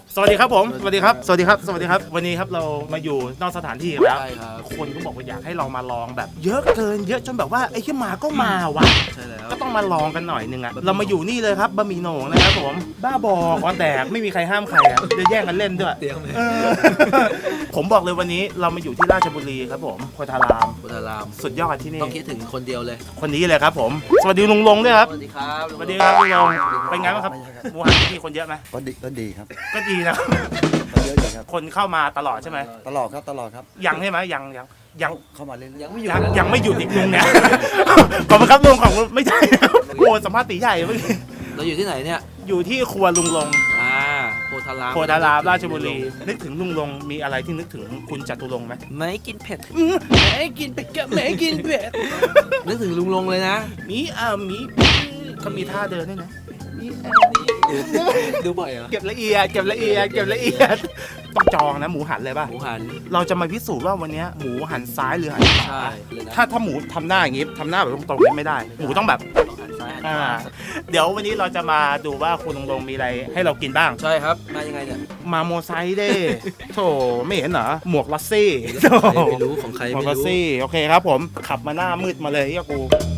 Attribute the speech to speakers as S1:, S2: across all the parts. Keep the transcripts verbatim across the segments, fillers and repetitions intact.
S1: สวัสดีครับผมสวัสดีครับสวัสดีครับสวัสดีครับวันนี้ครับเรามาอยู่นอกสถานที่กันแล้ว
S2: ใช่ครับ
S1: คนก็บอกว่าอยากให้เรามาลองแบบ เยอะเกินเยอะจนแบบว่าไอ้ที่มาก็มาวะ
S2: ใช่แล้ว
S1: ก็ต้องมาลองกันหน่อยนึงอะเรามาอยู่นี่เลยครับบะหมี่โหน่งนะครับผมบ้าบอคอนแตกไม่มีใครห้ามใครอะจะแย่งกันเล่นด้วย
S2: เตรียมเลย
S1: เออ ผมบอกเลยวันนี้เรามาอยู่ที่ราชบุรีครับผมโพธาราม
S2: พุทธาราม
S1: สุดยอดที่นี่
S2: ต้องคิดถึงคนเดียวเลย
S1: คนนี้เลยครับผมสวัสดีลุงลงด้วยครับ
S2: สวัสดีครับ
S1: สวัสดีครับลุงลงเป็นไงบ้างครับหมูหันที่นี่คนเยอะไหม
S3: ก็ดีก็ดีครับ
S1: ก็ดีนะ
S3: ก็เยอะอยู่ครับ
S1: คนเข้ามาตลอดใช่ไหม
S3: ตลอดครับตลอดครับ
S1: ยังใช่ไหมยังยังยัง
S3: เข้ามาเรื่อย
S2: ยังไม่อยู่
S1: ยัง
S2: นะ
S1: ยังไม่หยุดอีกลุงเนี่ย ขอบคุณครับลุงของไม่ใช่นะครับโอ้สัมภาษณ์ตีใหญ่เมื่อกี้
S2: เราอยู่ที่ไหนเนี่ย
S1: อยู่ที่ครัวลุงลง
S2: อ่าโพธาราม
S1: โพธารามราชบุรี นึกถึงลุงลงมีอะไรที่นึกถึงคุณจตุรงค์ไหม
S2: ไม่กินเผ็ด
S1: ไม่กินเป็ดก็ไม่กินเป็ด
S2: นึกถึงลุงลงเลยนะ
S1: มีอ่ามีเขามีท่าเดินด้วยนะ
S2: ดูบ่อยเหรอ
S1: เก็บละเอียดเก็บละเอียดเก็บละเอียดต้องจองนะหมูหันเลยป่ะ
S2: หมูหัน
S1: เราจะมาพิสูจน์ว่าวันนี้หมูหันซ้ายหรือหันขวา
S2: ใช่เลยนะ
S1: ถ้าถ้าหมูทำหน้าอย่างงี้ทำหน้าแบบตรงๆนี้ไม่ได้ หมูต้องแบบ
S2: ต้องหันซ้ายหันข
S1: อ่าว
S2: า
S1: เดี๋ยววันนี้เราจะมาดูว่าคุณลุงลงมีอะไรให้เรากินบ้าง
S2: ใช่ครับมายังไงเนี่ย
S1: มาโมไซค์เด้ โถไม่เห็นเหรอ หมวกลัสซี่โถ
S2: ไม่รู้ของใคร
S1: หมว
S2: ไม่
S1: กลัส
S2: รู้
S1: ซี่ โอเคครับผม ขับมาหน้ามืดมาเลยเฮียกู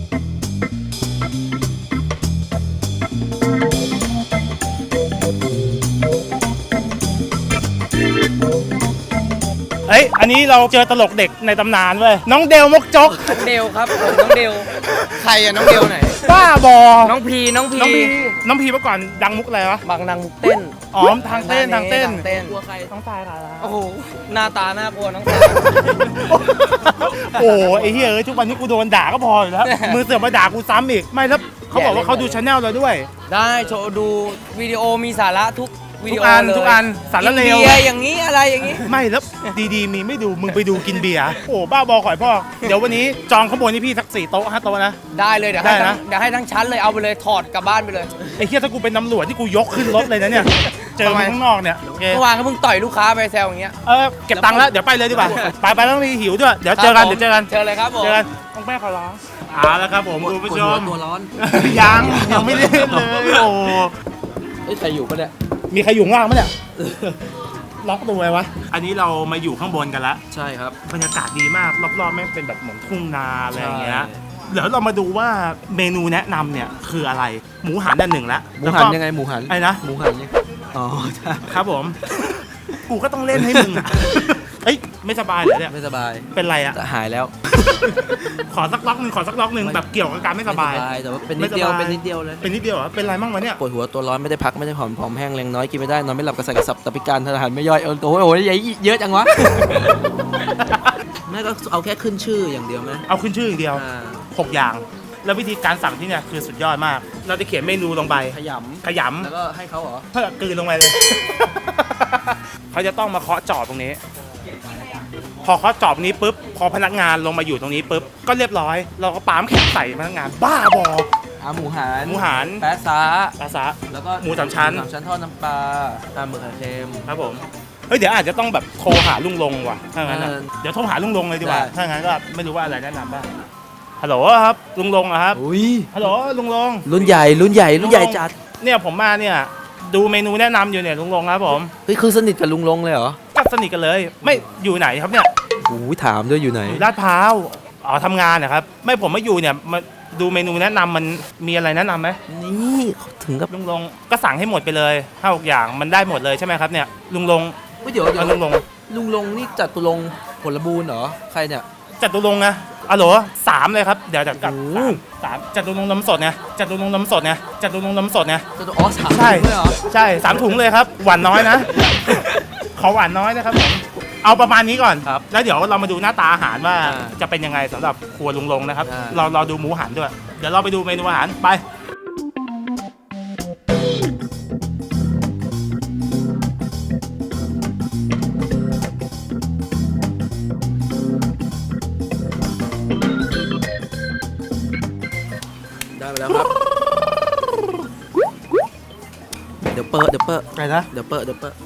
S1: เฮ้ย อันนี้เราเจอตลกเด็กในตำนานเว้ย น้องเดลมกจก
S4: เดลครับผมน้องเดลใครอะน้องเดลไหน
S1: บ้าบอ
S4: น้องพีน้องพี
S1: น้องพีน้องพีเมื่อก่อนดังมุกอะไรวะ
S4: บางนางมุกเต้น
S1: อ๋อทางเต้นทางเต้น
S4: ทางเต้น
S2: กลัวใคร
S1: ต้องตายค่ะ
S4: โอ้โหหน้าตาน่ากลัวน้องตา
S1: โอ้ไอ้เหี้ยเอ้ยทุกวันนี้กูโดนด่าก็พออยู่แล้ว มือเสือกมาด่ากูซ้ำอีก ไม่แล้วเขาบอกว่าเขาดูชาแนลเราด้วย
S4: ได้โชว์ดูวิดีโอมีสาระทุกวิ
S1: ทุ
S4: ดี
S1: ก
S4: โอ
S1: อัน
S4: เลย
S1: ทุกอันสารเลว
S4: กินเบียร์อย่างนี้อะไรอย่างนี้
S1: ไม่แล้วดีๆ มีไม่ดูมึงไปดูกินเบียร์โอ้บ้าบอข่อยพ่อ เดี๋ยววันนี้จองข้างบนนี่พี่สักสี่โต๊ะห้าโต๊ะนะ
S4: ได้เลยเดี๋ยว
S1: ได้
S4: ให้ทั้
S1: นะ
S4: งเดี๋ยวให้ทั้งชั้นเลยเอาไปเลยถอดกลับบ้านไปเลย
S1: ไอ้เหี้ยถ้ากูเป็นตำรวจที่กูยกขึ้นรถเลยนะเนี่ย เจอมึงข้างนอกเนี่ยโอเค
S4: เมื่อวานก็เพิ่งต่อยลูกค้าไปแซวอย่างเงี้ย
S1: เออเก็บตังค์แล้วเดี๋ยวไปเลยดีกว่า ไปไปต้องมีหิวด้วยเดี๋ยวเจอกันเดี๋ยวเจอกัน
S4: เจอเลยครับผม
S1: เจอกันต้องแม่ขอร้องเอาแล้วครับผมคุณผู้ชม
S2: ตัวร้อน
S1: ยังยังไม่ได้เลยโอ้
S2: เอ้ยใครอยู่ปะเนี่ย
S1: มีใครอยู่ข้างล่างไหมเนี่ย ล็อกตัวไว้วะ อันนี้เรามาอยู่ข้างบนกันแล้ว
S2: ใช่ครับ
S1: บรรยากาศดีมาก รอบๆแม่งเป็นแบบเหมือนทุ่งนาอะไรอย่างเงี้ย
S2: ใช่
S1: เดี๋ยวเรามาดูว่าเมนูแนะนำเนี่ยคืออะไร หมูหันด้านหนึ่งแล้ว
S2: หมูหันยังไงหมูหัน
S1: ไอ้นะ
S2: หมูหันยังอ๋อใช่
S1: ครับผม กูก็ต้องเล่นให้มึงอ่ะ เอ้ยไม่สบายเหรอเนี่ย
S2: ไม่สบาย
S1: เป็นไรอ่ะ
S2: แต่หายแล้ว
S1: ขอสักล็อกหนึ่งขอสักล็อกหนึ่งแบบเกี่ยวกับการไม่สบาย
S2: แต่ว่าเป็นนิดเดียว
S1: ไม่สบาย
S2: เป็นนิดเดียวเลย
S1: เป็นนิดเดียวเหรอเป็นไรบ้างวะเนี่ย
S2: ปวดหัวตัวร้อนไม่ได้พักไม่ได้ผ่อนผอมแห้งแรงน้อยกินไม่ได้นอนไม่หลับกระสับกระสับตับพิการทหารไม่ย่อยเออโอ้ยโอ้ยเยอะจังวะ แม่ก็เอาแค่ขึ้นชื่ออย่างเดียวไหม
S1: เอาขึ้นชื่ออย่างเดียว
S2: อ่า
S1: หกอย่าง แล้ววิธีการสั่งที่เนี่ยคือสุดยอดมาก เราจะเขียนเมนูลงไป
S2: ขย
S1: ขย
S2: ำแล้วก็ให้เขาเหรอ
S1: ำเพื่อกลืนลงไปเลย เขาจะต้องมาเคาะจอบตรงนี้ พอเคาะจอบนี้ปุ๊บ พอพนักงานลงมาอยู่ตรงนี้ปุ๊บ ก็เรียบร้อย เราก็ปามแข็งใส่พนักงาน บ้าบอ
S2: อ่าหมูหัน
S1: หมูหัน
S2: แปะซา
S1: ปลาซะ
S2: แล้วก็
S1: หมูสามชั้น
S2: หมูสามชั้นทอดน้ำปลาปลาหมึกไข่เค็ม
S1: ครับผม เฮ้ยเดี๋ยวอาจจะต้องแบบโทรหาลุงลงว่ะ ถ้างั้นอะ
S2: เออ
S1: เดี๋ยวโทรหาลุงลงเลยดีกว่า
S2: ได้
S1: ถ้างั้นก็ไม่รู้ว่าอะไรแนะนำบ้าง ฮัลโหลครับ ลุงลงอะครับ
S2: อุ้ย
S1: ฮัลโหลลุงลง
S2: รุ่นใหญ่รุ่นใหญ่รุ่นใหญ่จัด
S1: เนี่ยผมมาเนี่ยดูเมนูแนะนำอยู่เนี่ยลุงลงครับผม
S2: เฮ้ยคือสนิทกับลุงลงเลยเหรอ
S1: ก็สนิทกันเลย ไม่อยู่ไหนครับเนี่ย
S2: โอ้ยถามด้วยอยู่ไหน
S1: อยู่ลาดพร้าวอ๋อทำงานนะครับ ไม่ผมมาอยู่เนี่ยมาดูเมนูแนะนำมันมีอะไรแนะนำไหม
S2: นี่เขาถึงกับ
S1: ลุงลงก็สั่งให้หมดไปเลยห้าหกอย่างมันได้หมดเลยใช่ไหมครับเนี่ยลุงลง
S2: เฮ้ยเดี๋ยวเดี๋ย
S1: เอา
S2: ว
S1: ลุงลง
S2: ลุงลงนี่จัดตุลงค์ผลบูรณ์เหรอใครเนี่ย
S1: จัดตุลงนะอ๋อเหรอสามเลยครับเดี๋ยวจะกลับ
S2: โอ้โห
S1: สามสามจัดตุลงน้ำสดไงจัดตุลงน้ำสดไงจัดตุลงน้ำสดไง
S2: จัดตุอ๋อสาม
S1: ใช่
S2: ด้วยเหรอ
S1: ใช่สามถุงเลยครับหวานน้อยนะ ขอหวานน้อยนะครับผมเอาประมาณนี้ก่อน
S2: ครับ
S1: แล้วเดี๋ยวเรามาดูหน้าตาอาหารว่า
S2: อ่า
S1: จะเป็นยังไงสำหรับครัวลุงลงนะครับ
S2: อ่า
S1: เราเราดูหมูหันด้วย เดี๋ยวเราไปดูเมนูอาหารไป
S2: ได้ไปแล้วครับ เดี๋ยวเปิดเดี๋ยวเปิด
S1: ไปนะ
S2: เดี๋ยวเปิดเดี๋ยวเปิด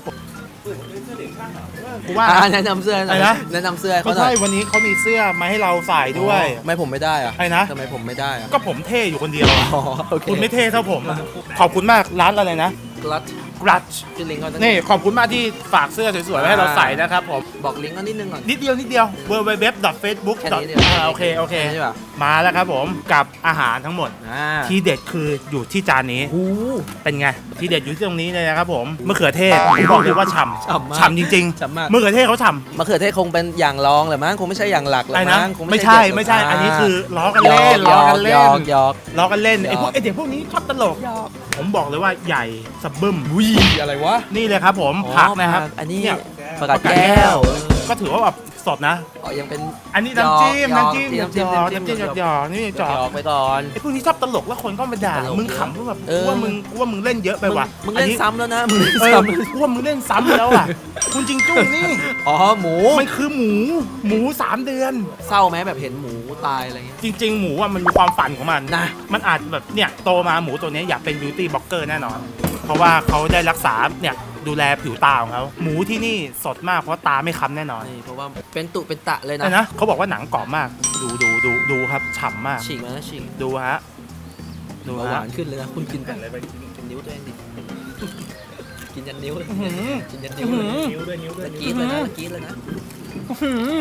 S1: กูว่า
S2: อ่าแนะนำเสื้อหน่อย
S1: อะไรนะ
S2: แนะนำเสื้อให้
S1: เขา
S2: เขาหน่
S1: ใช่
S2: อย
S1: วันนี้เขามีเสื้อมาให้เราใส่ด้วย
S2: อ๋อไม่ผมไม่ได้อะ
S1: อะไรนะ
S2: ทำไมผมไม่ได้อะ
S1: ก็ผมเท่อยู่คนเดียวอะ
S2: อ๋อโอเค
S1: คุณไม่เท่เท่าผมอะขอบคุณมากร้านอะไรนะ
S2: กลัด
S1: กรัช
S2: ชื่อลิงก์เขา
S1: นี่ขอบคุณมากที่ฝากเสื้อสวยๆไว้ให้เราใส่นะครับผม
S2: บอกลิงก์เขานิดนึงก่อน
S1: นิดเดียวนิดเดียว w w w f a c e b o o k
S2: แค่นี้เดียว
S1: โอเคโอเค
S2: ใช่ป่ะ
S1: มาแล้วครับผมกับอาหารทั้งหมด
S2: อ่า
S1: ที่เด็ดคืออยู่ที่จานนี้
S2: โอ้
S1: เป็นไงที่เด็ดอยู่ที่ตรงนี้เลยนะครับผมมะเขือเทศผมบอกเลยว่าฉ่
S2: ฉ่ำมาก
S1: ำฉ่ำจริง
S2: ฉ่ำมาก
S1: ๆมะเขือเทศเขาฉ่ำ
S2: มะเขือเทศคงเป็นอย่างรองแหละมั้งคงไม่ใช่อย่างหลักหรอก
S1: ไอ้นะ
S2: มั้งคง
S1: ไม่ใช่
S2: เด็ด
S1: ไม่ใช่
S2: า
S1: อันนี้คือล้อกัน
S2: หย
S1: เล่
S2: อก
S1: น
S2: หย
S1: ล้อ
S2: อก
S1: กัน
S2: ห
S1: เล่
S2: ยอน กหยอก
S1: ล้อกันเล่น
S2: หยอก
S1: ไอ้พวกไอ้เด็กพวกนี้ชอบตลกผมบอกเลยว่าใหญ่สะบึ้ม
S2: อะไรวะ
S1: นี่เลยครับผม
S2: อ๋อ
S1: ผักนะครับ
S2: อันนี้
S1: เนี่ย
S2: ผักกาดแก้ว
S1: ก็ถือว่าแบบสดนะ
S2: อ๋อยังเป็น
S1: อันนี้น้ำจิ้ม
S2: หยอก
S1: น้ำจิ้ม
S2: หยอก
S1: หยอก
S2: น้ำจิ้
S1: น้ำจิ้ม
S2: ม
S1: หยอกๆนี่หย
S2: หย
S1: อก
S2: อกไปก่อน
S1: ไอ้พวกนี้ชอบตลกแล้วคนก็มาด่า
S2: ตลก
S1: มึงขำก็แบบ
S2: เออ
S1: กูว่ามึงกูว่ามึงเล่นเยอะไปว่ะ
S2: มึงเล่น
S1: อั
S2: ซ้ำแล้วนะมึงเล่น
S1: เออ
S2: ซ้ำ
S1: กูว่ามึงเล่นซ้ำแล้วอ่ะคุณจริงจุ้งนี่
S2: อ๋อหมู
S1: มันคือหมูหมูสามเดือน
S2: เศร้าไหมแบบเห็นหมูตายอะไรเงี้ย
S1: จริง ๆ หมูอ่ะมันมีความฝันของมัน
S2: นะ
S1: มันอาจแบบเนี่ยโตมาหมูตัวเนี้ยอยากเป็นบิวตี้บล็อกเกอร์แน่นอน เพราะว่าเขาได้รักษาเนี่ยดูแลผิวตาของเขาหมูที่นี่สดมากเพราะว่าตาไม่ค้ำแน่นอน
S2: นี่เพราะว่าเป็นตุเป็นตะเลย
S1: นะ
S2: นะ
S1: นะเขาบอกว่าหนังกรอบมาก ดูดูดูดูครับฉ่ำมาก
S2: ฉีกมานะฉีก
S1: ดูฮะดู
S2: เบาห
S1: ฮะ
S2: วานขึ้นเลยนะคุณกินไปอะไรไปกินนิ้วตัวเองดิกินยันนิ้วเลย
S1: อื้อหือ
S2: กินยันนิ้วเลย
S1: นิ้วด้วยนิ้วด้วย
S2: ตะกี้เลยนะตะกี้เลยนะ
S1: อื้อหือ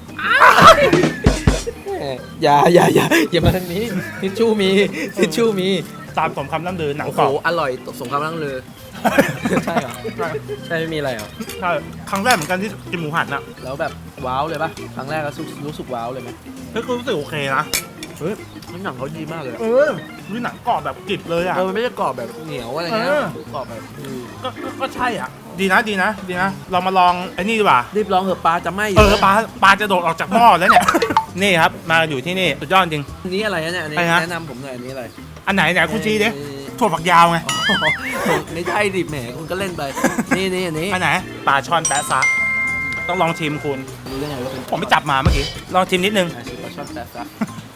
S2: อย่าอย่าอย่าอย่ามาทางนี้ทิชชู่มีทิชชู่มี
S1: ตามสมคำล่ำลือหนัง
S2: โอ้
S1: กรอบ
S2: โหอร่อยสมคำร่ำลือใช่เหรอใช่ไม่มีอะไรเหรอ
S1: ใช่ครั้งแรกเหมือนกันที่กินหมูหันอ่ะ
S2: แล้วแบบว้าวเลยปะครั้งแรกก็รู้สึกว้าวเลยไหม
S1: เฮ้ยก็รู้สึกโอเคนะ
S2: เฮ้ยน้ำหนังเขาดีมากเลยอะ
S1: เออนี่หนังกรอบแบบกริบเลยอ่ะ
S2: เออมันไม่ได้กรอบแบบเหนียวอะไรเงี้ย
S1: เออ
S2: กรอบแบบอืม
S1: ก็ก็ก็ใช่อ่ะ ดีนะดีนะดีนะเรามาลองไอ้นี่ดีกว่า
S2: รีบลองเถอะปลาจะไหม้อยู่
S1: เออปลาปลาจะโดดออกจากหม้อแล้วเนี่ย นี่ครับมาอยู่ที่นี่สุดยอดจริง
S2: อันนี้อะไรนะเนี่ยอันนี้
S1: อะไรนะ
S2: แนะนำผมหน่อยอันนี้อะไร
S1: อันไหนไหนคุณชี้ดิ
S2: เอ่อ
S1: ถั่วฝักยาวไง
S2: อ๋อไม่ใช่ดิแหมคุณก็เล่นไป นี่นี่อันนี้
S1: อันไหนปลาช่อนแปะซะต้องลองชิมคุณ
S2: รู้ได้ไงว่าเป็น
S1: ผมไปจับมาเมื่อกี้ลองชิมนิดนึง
S2: อาชีพปลาช่อนแปะซะ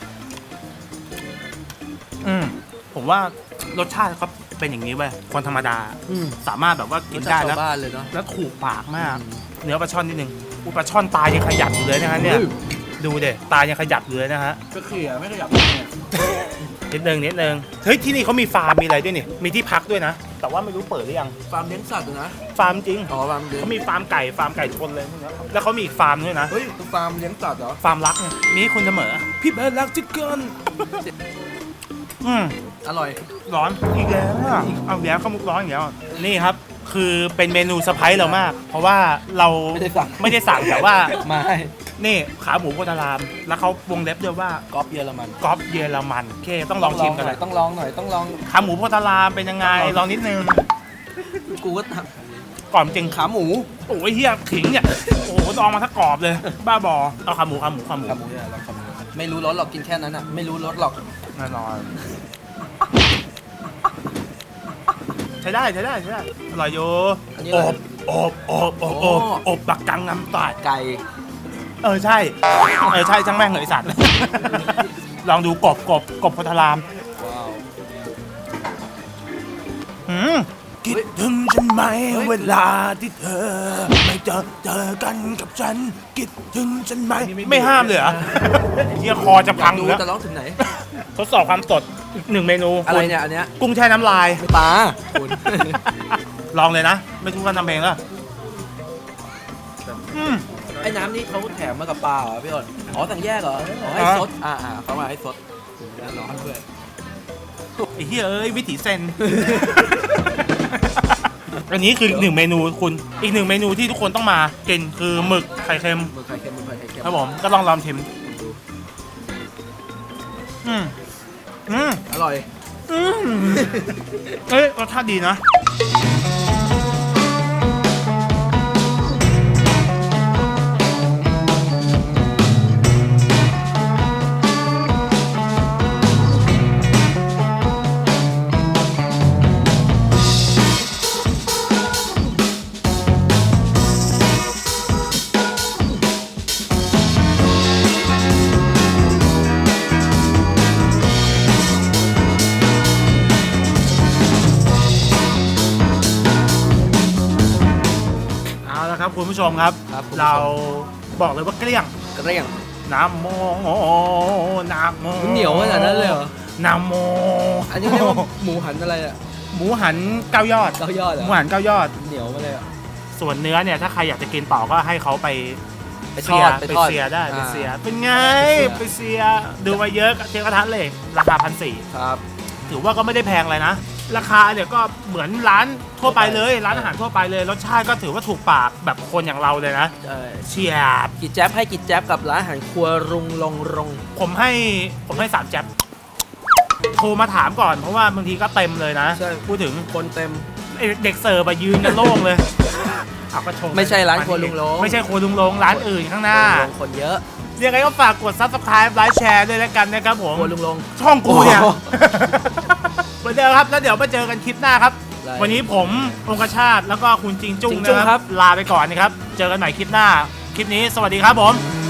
S1: อืมผมว่ารสชาติเขาเป็นอย่างนี้เว้ยคนธรรมดา
S2: อืม
S1: สามารถแบบว่ากิ
S2: กิ
S1: น
S2: น
S1: ได้
S2: ได้
S1: แล้ว
S2: บ้านเลยเนาะ
S1: แล้วถูกปากมาก เนื้อปลาช่อนนิดนึงอุยปลาช่อนตายังขยับอยู่เลยนะฮะเนี่ย
S2: เฮ้ย
S1: ดูเด็ตายังขยับอยู่เลยนะฮะ
S2: ก็เขี่ยไม่ขยับเนี่ย
S1: นิดนึงนิดนึงเฮ้ยที่นี่เขามีฟาร์มมีอะไรด้วยนี่มีที่พักด้วยนะ แต่ว่าไม่รู้เปิดหรือยัง
S2: ฟาร์มเลี้ยงสัตว์อยู่นะ
S1: ฟาร์มจริง
S2: อ๋อฟาร์มเลี้ยง
S1: เขามีฟาร์มไก่ฟาร์มไก่ชนเลยพวกเนี้ยแล้วเขามีอีกฟาร์มด้วยนะ
S2: เฮ้ยคือฟาร์มเลี้ยงสัตว์เหรอ
S1: ฟาร์มรักไงมีให้คุณเสมอพี่เบิร์ดรักจิกเกินอืม
S2: อร่อย
S1: ร้อนอีกแล้วอ่ะเอาอีกแล้วข้าวมุกร้อนอีกแล้วอ่ะนี่ครับ คือเป็นเมนูเซอร์ไพรส์เรามาก เพราะว่าเรา
S2: ไม่ได้สั่ง
S1: ไม่ได้สั่งแต่ว่า
S2: ไม่
S1: นี่ขาหมูโพธาราม แล้วเขาวงเล็บด้วยว่า
S2: ก๊อปเยอรมัน
S1: ก๊อปเยอรมันโอเคต้องลองชิมกัน
S2: ห
S1: เล
S2: น่อย ยต้องลองหน่อยต้องลอง
S1: ขาหมูโพธารามเป็นยังไงลองนิดนึง
S2: กูก็ท
S1: ก่อนจริง
S2: ำขาหมู
S1: โอ้ยเฮียขิงเนี่ยโอ้โหลองมาทั้งกรอบเลย บ้าบอเอาขาหมูขาหมูขาหมู
S2: ขาหมูเนี่ยลองขาหมูไม่รู้รสหรอกกินแค่นั้นอ่ะไม่รู้รสหรอก
S1: แน่นอนใช้ได้ใช้ได้ใช้ได้อร่อยอยู่
S2: อันนี้
S1: อ
S2: อะไร
S1: บอบอบอบอบอบปักกังน้ำตาด
S2: ไก่
S1: เออใช่เออใช่ช่างแม่งเลยไอ้สัตว์ ลองดูกบกบกบโพธาราม
S2: ว้าว
S1: หืมคิดถึงฉันไหมเวลาที่เธอ ไม่เจอเจอกันกับฉันคิดถึงฉันไหมไม่ห้ามเลยเหรอเฮียคอจะ
S2: อ
S1: พั
S2: ยาง ก
S1: อ
S2: ดู
S1: ยู่แล้ว
S2: จะร้องถึงไหน
S1: ทดสอบความสดอีกหนึ่งเมนู
S2: อะไร
S1: คุณ
S2: เนี่ยอันเนี้ย
S1: กุ้งแช่น้ำลาย
S2: ปลาคุณ
S1: ลองเลยนะ ไม่ทุกคนทำเองแล้วอืม
S2: ไอ้น้ำนี่เขาแถมมากับปลาเหรอพี่อ้นอ๋อสั่งแยกเหรออ๋อให้
S1: อ่า
S2: ซดอ่าอ่าเขามาให้ซดแล้วร้อนด้วย
S1: ไอ้เฮียเอ้ยวิถีเซน อันนี้คืออีกหนึ่งเมนูคุณ อีกหนึ่งเมนูที่ทุกคนต้องมากินคือหมึกไข่เค็ม
S2: มือไข่เค็มมือไข่เค็ม
S1: ครับผมก็ลองลองชิมอืมอืม
S2: อร่อย
S1: อืมเอ้ยรสชาติดีนะ เอาละครับคุณผู้ชมครับ
S2: ครับคุณผู้ชม
S1: เราบอกเลยว่าเกลี้ยง
S2: กระเรียง
S1: น้ำโมน้ำโม
S2: มันเหนียวขนาดนั้นเลยเหรอ
S1: น้ำโม
S2: อันนี้เรียกว่าหมูหันอะไรอ่ะ
S1: หมูหันเก้ายอด
S2: เก้ายอดเหร
S1: ห
S2: อ
S1: มูหันเก้ายอด
S2: เหนียวมาเลยอะ
S1: ส่วนเนื้อเนี่ยถ้าใครอยากจะกินต่อก็ให้เขาไป
S2: ไปท
S1: เสี
S2: อย ด
S1: ไป
S2: ไปทอด
S1: เสียได้ไป
S2: อ่า
S1: เสียเป็นไง
S2: ไป
S1: ไป
S2: เสี
S1: เสีย
S2: ย
S1: ดูมาเยอะเทียบกระทัดเลยราคาพันสี่
S2: ครับ
S1: ถือว่าก็ไม่ได้แพงเลยนะ ราคาเนี่ยก็เหมือนร้านทั่วไปเลย ร้านอาหารทั่วไปเลยรสชาติก็ถือว่าถูกปากแบบคนอย่างเราเลยนะ
S2: ใช่
S1: เชียบ
S2: กิจแจ๊บให้กิจแจ๊บกับร้านอาหารครัวรุงลงรง
S1: ผมให้ผมให้สามแจ๊บโทรมาถามก่อนเพราะว่าบางทีก็เต็มเลยนะ
S2: ใช่
S1: พูดถึง
S2: คนเต็ม
S1: ไอ้เด็กเสิร์ฟอะยืนกันโล่งเลยเอาก็ชม
S2: ไม่ใช่ร้านครัวลุงลง
S1: ไม่ใช่ครัวลุงลงร้านอื่นข้างหน้า
S2: ลงคนเยอะ
S1: ยังไงก็ฝากกด ซับสไครบ์ ไลค์ แชร์ด้วยแล้วกันนะครับผม
S2: ครัวลุงลง
S1: ช่องกูเนี่ย
S2: โอ้โห
S1: เหมือนเดิมครับ แล้วเดี๋ยวมาเจอกันคลิปหน้าครับ
S2: ได้
S1: วันนี้ผมองคชาติแล้วก็คุณจิงจุ้ง
S2: จิงจุ้ง
S1: นะค
S2: ครั
S1: รับ บ ลาไปก่อนนะครับ เจอกันใหม่คลิปหน้า คลิปนี้สวัสดีครับผม
S2: ส